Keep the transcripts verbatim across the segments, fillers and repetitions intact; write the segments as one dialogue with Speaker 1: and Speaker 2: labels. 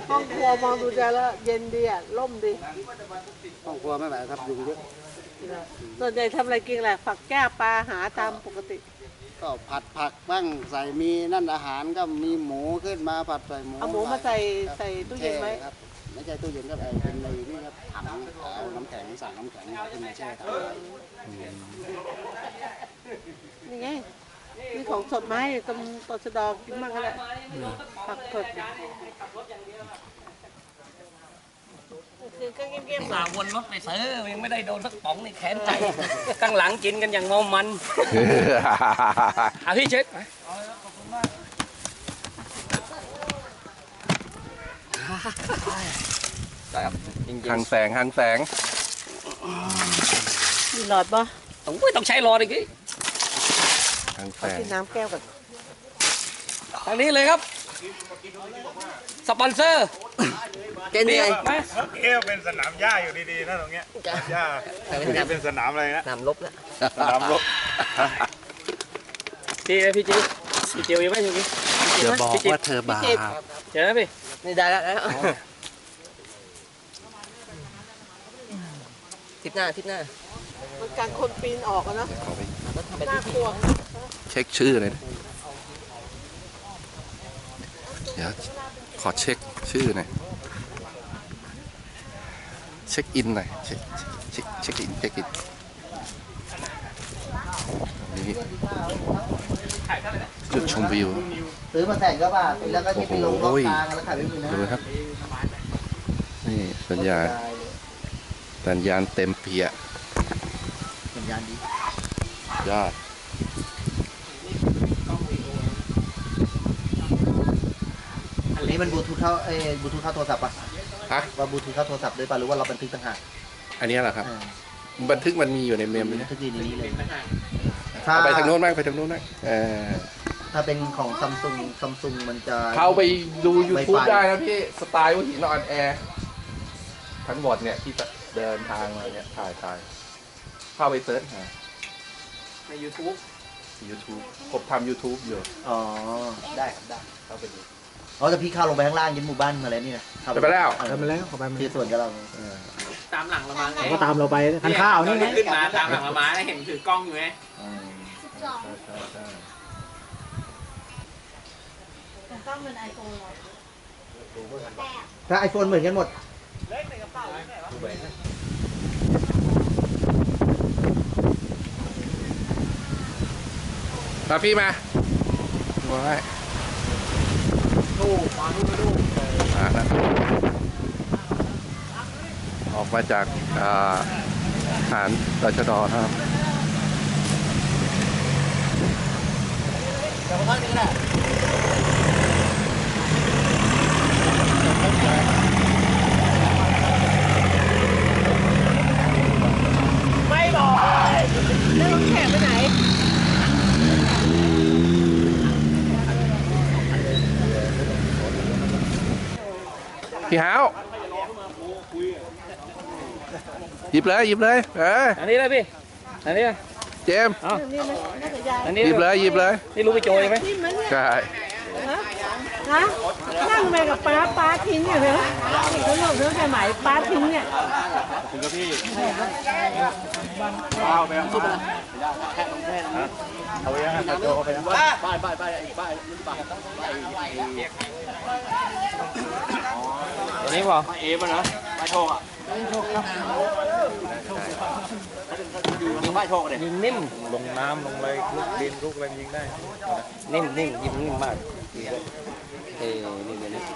Speaker 1: ห้องครัวมองดูจะแล้วเย็นดีอ่ะร่มดี
Speaker 2: ห้องครัวไม่ไหวครับยุงเยอะ
Speaker 1: ส่วนใหญ่ทำอะไรกินแหละผักแก้ปลาหาตามปกติ
Speaker 2: ก็ผัดผักบ้างใส่มีนั่นอาหารก็มีหมูขึ้นมาผัดใส่หมู
Speaker 1: เอาหมูมาใส่ใส่ตู้เย็นไว้
Speaker 2: ครับไม่ใช่ตู้เย็นก็เป็นในนี่ครับถังเอาน้ำแข็งสั่งน้ำแข็งขึ้นมาแช่ถัง
Speaker 1: นี่ไงมีของสดมาให้ตรงตชดกินมากก็ได้ผักสดคือก็เงียบๆ
Speaker 3: สาววนรถไปซื้อยังไม่ได้โดนสักป๋องในแขนใจข้างหลังกินกันอย่างเมามันอาพี่เช็ดไป
Speaker 4: หางแสงหางแสง
Speaker 1: มีหลอดปะ
Speaker 3: ต้องต้องใช้หลอดอีกที
Speaker 4: หางแสง
Speaker 1: กินน้ำแก้วก่อน
Speaker 3: ทางนี้เลยครับสปอนเซอร์
Speaker 2: เจนนี่
Speaker 3: ไหม
Speaker 5: เอ๊ะเป็นสนามหญ้าอยู่ดีๆนะตรงเนี้ยหญ้าเป็นสนามอะไรนะ
Speaker 3: สนามรบแล้ว
Speaker 5: สนามรบ
Speaker 3: พี่พี่จิ๋วพี่จิ๋วยังไม่ถึงพี่
Speaker 4: เธอบอกว่าเธอบาป
Speaker 3: เจอแล้วพี่
Speaker 2: นี่ได้แล้วทิศหน้าทิศหน้า
Speaker 1: มันการคนปีนออกนะน่ากลัว
Speaker 4: เช็คชื่อเลยนะเดี๋ยวขอเช็คชื่อหน่อยเช็คอินหน่อยเช็คเช็คเช็คอินเช็คอินนี่จุดชมวิว
Speaker 2: ซื้อมาแต่งก็บาทแล้วก็ที่ไปลงรอบกลางแล้วขายไม่มีนะ
Speaker 4: ดูครับนี่สัญญาณสัญญาณเต็มเปีย
Speaker 2: สัญญาณดี
Speaker 4: ยอด
Speaker 2: อันนี้มันบลูทูธเข้าเอ้บลูทูธเข้าโทรศัพท์ป่ะ
Speaker 4: ฮะ
Speaker 2: ว่าบลูทูธเข้าโทรศัพท์ด้วยป่ะหรือว่าเราบันทึกต่างหาก
Speaker 4: อันนี้เหรอครับบันทึกมันมีอยู่ในเมม
Speaker 2: บันทึกดีนี้เลย
Speaker 4: ไปทางโน้นบ้างไปทางโน้นบ้าง
Speaker 2: ถ้าเป็นของซัมซุงซัมซุงมันจะ
Speaker 4: เข้าไปดู ยูทูบ ได้นะพี่สไตล์วิถีนอนแอร์ทั้งหมดเนี่ยที่เดินทางมาเนี่ยถ่ายถ่ายเข้าไปเซิร์ชหา
Speaker 3: ใน ยูทูบ
Speaker 4: ยูทูบ ผมทำ ยูทูบ อยู่
Speaker 2: อ๋อได้ครับได้เข้าไปดูอ๋อแต่พี่เข้าลงไปข้างล่างยันหมู่บ้านมาแล้วนี่นะ
Speaker 4: ไปแล้ว
Speaker 2: ไปแล้วเข้าไปที่ส่วนกับเรา
Speaker 3: ตามหลังเรามา
Speaker 2: เขาก็ตามเราไปทานข้าวนี่ไง
Speaker 3: ขึ้นมาตามหลังเรามาได้เห็นถือกล้องอยู่ไหม
Speaker 1: กล้องเป็นไอโฟน
Speaker 2: ถ้าไอโฟนเหมือนกันหมด
Speaker 1: เล็กในกระเป๋าไม่ใช่หร
Speaker 4: อมาพี่มาว้าย
Speaker 3: ดูมาดูมาดู
Speaker 4: มาแล้วออกมาจากฐานตชด.ครับ
Speaker 2: เดี๋ยวพักนี้แหละ
Speaker 1: ไม่บอกแล้วรถแข่งไปไหน
Speaker 4: พี่ฮาวหยิบเลยหยิบเลยเออ
Speaker 3: อันนี้เลยพี่อันนี้
Speaker 4: เจม
Speaker 3: อันนี้
Speaker 4: หยิบเลยหยิบเลย
Speaker 3: นี่รู้ไปโจยไหม
Speaker 4: ใช่
Speaker 1: ฮะนั่งไปกับป้าป้าทิ้งอยู่เหรอเขาหลบเรื่องใหม่ป้าทิ้งเนี่ย
Speaker 5: ถึงกับพี่เอาไปเอาไปเอาไปยังโจเอาไปยังบ้านบ้านบ้านบ้านบ้านบ้าน
Speaker 3: ตัวนี้เปล่า
Speaker 5: เอฟนะไม่โชคอ่ะ
Speaker 2: ไม่โชคครับ
Speaker 5: ยิงไม่โชคเลย
Speaker 3: ยิงนิ่ม
Speaker 5: ลงน้ำลงอะไรลูกดินลูกอะไรยิงได้
Speaker 3: นิ่มนิ่มยิงนิ่มมากเอ้นี่เดี๋ยวนี้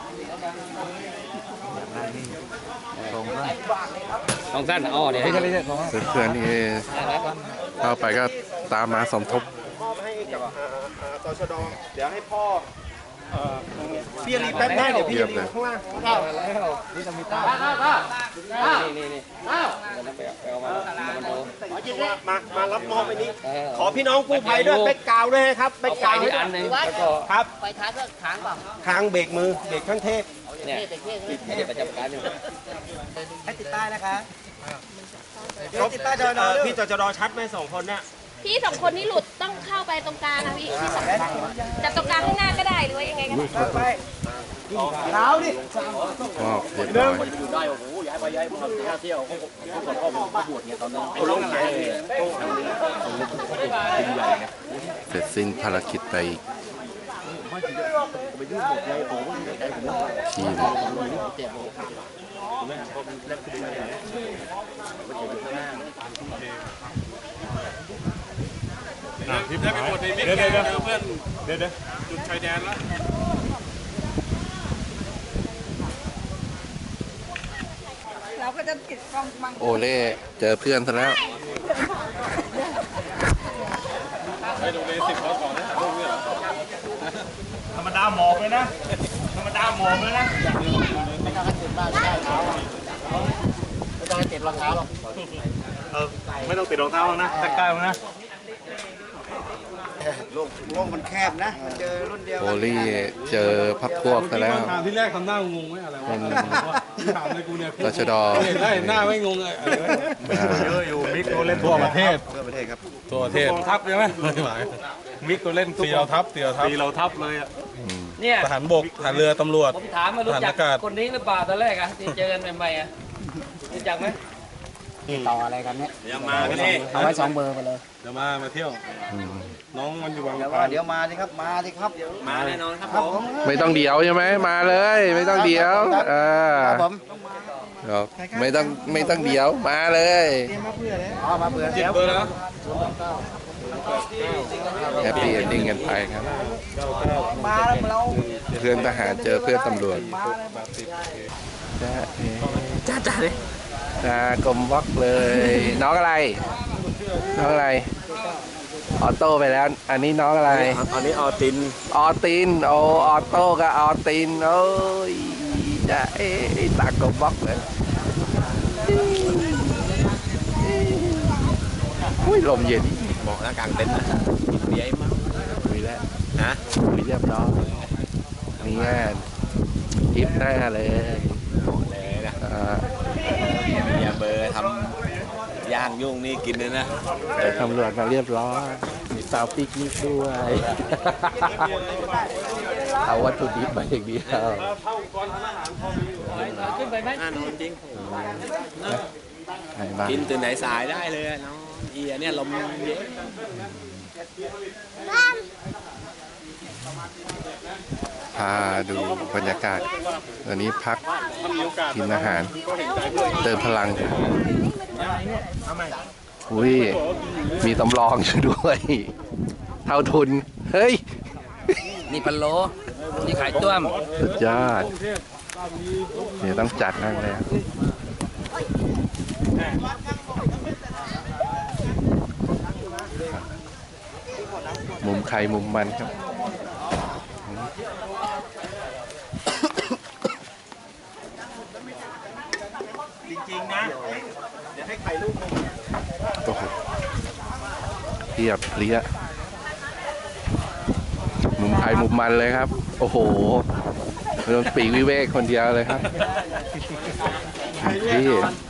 Speaker 3: ตรงสั้นตรงสั้นอ๋อเนี่ย
Speaker 4: เพื่อนๆนี่เข้าไปก็ตามมาสมทบ
Speaker 5: มอบให้กับตชด.เดี๋ยวให้พ่อพี่รีแป๊บได้เดี๋ยวพี่รีข้างล่างข้าวแล้วนี่จะมีตาข้าวข้าวข้าวนี่นี่ข้าวไปเอามามามารับมอบไปนี้ขอพี่น้องกู้ภัยด้วยแบกกาวด้วยครับแบกกาวด้วย
Speaker 3: อันนึงแล้วก็
Speaker 5: ครับ
Speaker 2: ไปท้ายก็ค้างเปล่า
Speaker 5: ค้างเบรกมือเบรกข้างเทพ
Speaker 3: เนี่ยเดี๋ยวประจำการอยู่
Speaker 2: ให้ติดป้ายนะคะ
Speaker 5: ติดป้ายจอดอพี่จอดอชัดไหมสองคนน่ะ
Speaker 6: พี่สองคนนี้หลุดต้องเข้าไปตรงกลางนะพี่พี่สองจับตรงกลางข้างหน้าก็ได้หรือว่ายังไงก็ได้
Speaker 5: พ
Speaker 2: หนาวดิ
Speaker 4: ก็เรียบร้อย
Speaker 3: อยู่ได้โอ้โหย้ายไปย้ายมาท่าเที่ยวเขาเขาขอพ่อผมบวชเนี่ยตอนนั้นเขาลงไหนเป็นใหญ่เนี่ย
Speaker 4: เสร็จสิ้นภารกิจไปอีกทีหนึง
Speaker 5: ทิพย์ได้ไปหมดในมิกเดี๋ยวเดี๋ยวเพื่อนเดี๋ยวเดี๋ยวจุดชายแดนแล้ว
Speaker 1: เราก็จะติดกล้องบัง
Speaker 4: โอเล่เจอเพื่อนซะแล้ว
Speaker 5: ไปดูเลยสิบเขาก่อนนะถ่ายรูปเนี่ยธรรมดาหมอบเลยนะธรรมดาหมอบเลยนะ
Speaker 2: ไม่ต้องให้ติดบ้านไม่ได้เท้าอ่ะไม่ต้องให้ติดรองเท้าหรอก
Speaker 5: เออไม่ต้องติดรองเท้าหรอกนะแต่ใกล้ๆนะ
Speaker 2: โลกโลกมันแคบนะเจอรุ่นเดียว
Speaker 4: โอลี่เจอพักพวกซะแล้ว
Speaker 5: ถามที่แรกทำหน้างงไหมอะไรวะถามเลยกูเนี่ย
Speaker 4: ตชด
Speaker 5: เห็นได้หน้าไม่งงเลยเยอะอยู่มิกตัวเล่นทั่วประเทศ
Speaker 2: ทั่วประเทศครับ
Speaker 5: ทั่วประเทศกองทัพใช่ไหมไม่หมายมิกตัวเล่นตีเราทัพตีเราทัพตีเราทัพเลยอ่ะ
Speaker 3: เนี่ย
Speaker 5: ทหารบกทหารเรือตำรวจ
Speaker 3: ผมถามมารู้จัก
Speaker 5: ฐานอากาศ
Speaker 3: คนนี้หรือเปล่าตอนแรกอะที่เจอกันใหม่ๆอะรู้จักไหม
Speaker 2: ต่ออะไรกันเนี่ย
Speaker 5: เดี๋ยวมาพี่
Speaker 2: เอาไว้สองเบอร์ไปเลย
Speaker 5: เดี๋ยวมามาเที่ยว
Speaker 4: อืม
Speaker 5: น้องมันอยู่บาง
Speaker 2: เดี๋ยว
Speaker 5: ป
Speaker 2: ว่า
Speaker 5: ลา
Speaker 2: เดี๋ยวมาสิครับมาสิครับ
Speaker 3: มาแน่นอนครับ
Speaker 2: ครับ
Speaker 3: ผ
Speaker 2: ผม ม
Speaker 4: ไม่ต้องเดี๋ยวใช่ไหมมาเลย ไม่ต้องเดี๋ยวเออ
Speaker 2: ครับผม
Speaker 4: ครับไม่ต้องไม่ต้องเดี๋ยวมาเลย
Speaker 2: อ๋อมาเบื่อ
Speaker 5: เจ็ด
Speaker 2: แล้ว
Speaker 5: เบอร์แล้ว
Speaker 4: แฮปปี้เอนดิ้งกันไปครับ
Speaker 2: มาแล้วเรา
Speaker 4: เพื่อนทหารเจอเพื่อนตำรวจจ้าเอ๋
Speaker 3: จ้าจ้าเลย
Speaker 4: จ้ากลมวักเลย น้องอะไร น้องอะไร ออโต้ไปแล้ว อันนี้น้องอะไร
Speaker 5: อันนี้ออติน
Speaker 4: ออติน โอออโต้กับออติน โอ้ยจ้าเอ๋ตากลมวักเลยอุ้ยลมเย็น
Speaker 3: บอกแล้วกลางเต็นท์นะเบียร์มั้ง
Speaker 4: คุยแล้ว
Speaker 3: ฮะ
Speaker 4: คุยเรียบร้อยนี่งานทริปหน้าเลย
Speaker 3: เลยนะ
Speaker 4: อ่า
Speaker 3: เบียร์เบอร์ทำย่างยุ่งนี่กินเลยนะ
Speaker 4: ไปตำรวจมาเรียบร้อยมีสาวปิกนิกด้วย เอาวัตถุดิบมาอย่างเดียว
Speaker 3: ขึ้นไปไหมอ่านอนจริง
Speaker 4: ไหนบ้าง
Speaker 3: กินตื่นไหนสายได้เลยน้องเอียเนี่ยลมเย็น
Speaker 4: พาดูบรรยากาศวันนี้พักกินอาหาร เติมพลัง อุ้ย มีตำรองอยู่ด้วย เท่าทุน เฮ้ย
Speaker 3: นี่พันโลนี่ขายต้วม
Speaker 4: สุดยอด เดี๋ยวต้องจัดนั่งแล้วมุมใครมุมมันครับ
Speaker 5: จริงๆนะเดี๋ยวให้ใครลูกนึง
Speaker 4: โอ้โหเทียบเลี้ยมุมใครมุมมันเลยครับ โอ้โหเริ่มปีกวิเวกคนเดียวเลยครับที่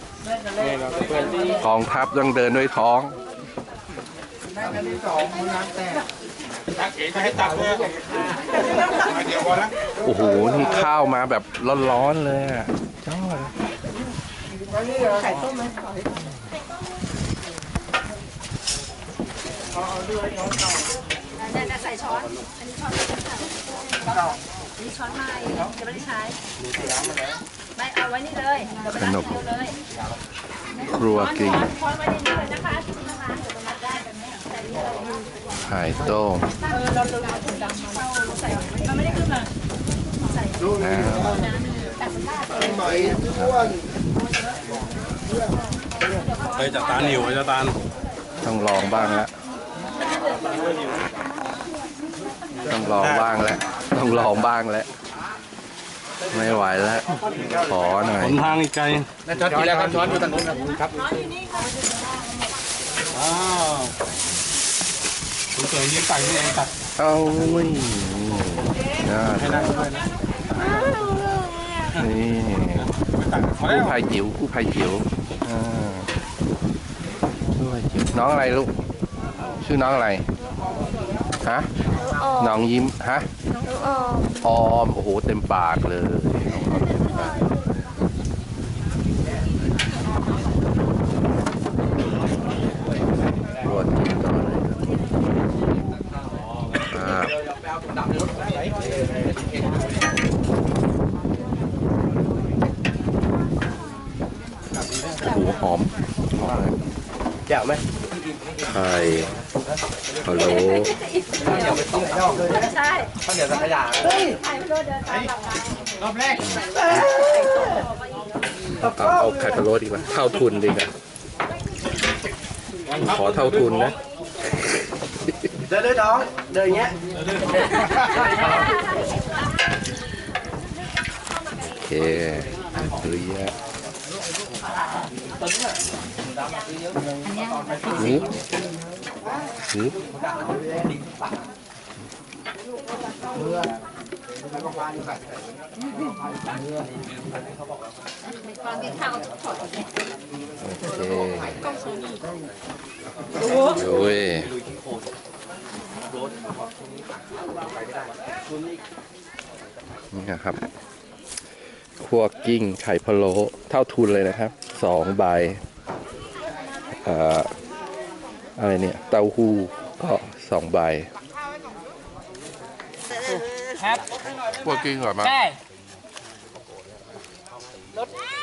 Speaker 4: กองทัพต้องเดินด้วยท้อง
Speaker 5: ให้ตักเลยเดี๋ยวก่อนนะ
Speaker 4: โอ้โห นี่ข้าวมาแบบร้อนๆเลยอ่ะยอด
Speaker 1: ไข่ต้มไหม
Speaker 6: เนี่ยใส่ช้อน อันนี้ช้อนอันนี้ช้อนไม้จะไม่ได้ใช้ไม่เอาไว้นี่เลยเดี๋ยวไปล้างเดียวเลย
Speaker 4: ครัวกรีน
Speaker 6: ช้อนไว้ในนี้เลยนะคะนะคะเดี๋ยวไปรับได้แบบนี้ใส่นี่เลย
Speaker 4: ไข่ต้ม
Speaker 6: เออเราเราเราถุงดำมาเราใส่มันไม่ได้ขึ้นมาใส่
Speaker 4: น้
Speaker 6: น้ำแต่มันได้
Speaker 2: หน่อยอ้วน
Speaker 5: เฮ้ยจัดตานหิวจัดตาน
Speaker 4: ำต้องลองบ้างแล้วต้องลองบ้างแล้วต้องลองบ้างแล้วไม่ไหวแล้ว ขอหน่อย
Speaker 5: หนทางอีกไกล
Speaker 2: ช้อนกินแล้วครับช้อนอยู่ตรงนู้นครับ
Speaker 5: อ้าวคุณเสริมยิ้มไก่นี่เองตัด
Speaker 4: เอาอุ้ยยอด
Speaker 5: ให้นั่งด้วยนะ
Speaker 4: นี่
Speaker 5: ไม่ตัดมา
Speaker 4: กู้
Speaker 5: แล้ว
Speaker 4: ภัยจิ๋วกู้ภัยจิ๋วอ่ากู้ภัยจิ๋วน้องอะไรลูก ชื่อน้องอะไร ฮะ น้องยิ้ม ฮะ
Speaker 6: น้อง
Speaker 4: ออม โอ้โห เต็มปากเลยน้องออมเต็มปากรวดกินต่อเลยครับโอ้โหหอมหอมเลย
Speaker 5: แจ๋วไหม
Speaker 4: ไข่ฮัลโหล
Speaker 6: ใช่
Speaker 3: ข้าวเหนียวสังขยา
Speaker 6: ใครไม่รู้เดินตามหลังมาร
Speaker 5: อบแรก
Speaker 4: เอาเอาไข่พะโล้ดีกว่าเท่าทุนดีกว่าขอเท่าทุนนะ
Speaker 5: เดินเลยน้องเดินอย่างเงี้ย
Speaker 4: โอเคเฮ้ยอะหืบหืบ
Speaker 6: ตอนกินข้าวถอด
Speaker 4: โอเคโอ้ยนี่นะครับคั่วกิ้งไข่พะโล้เท่าทุนเลยนะครับสองใบเอ่ออะไรเนี่ยเต้าหู้ก็สองใบคั่วกิ้งก่อนมา
Speaker 3: ได้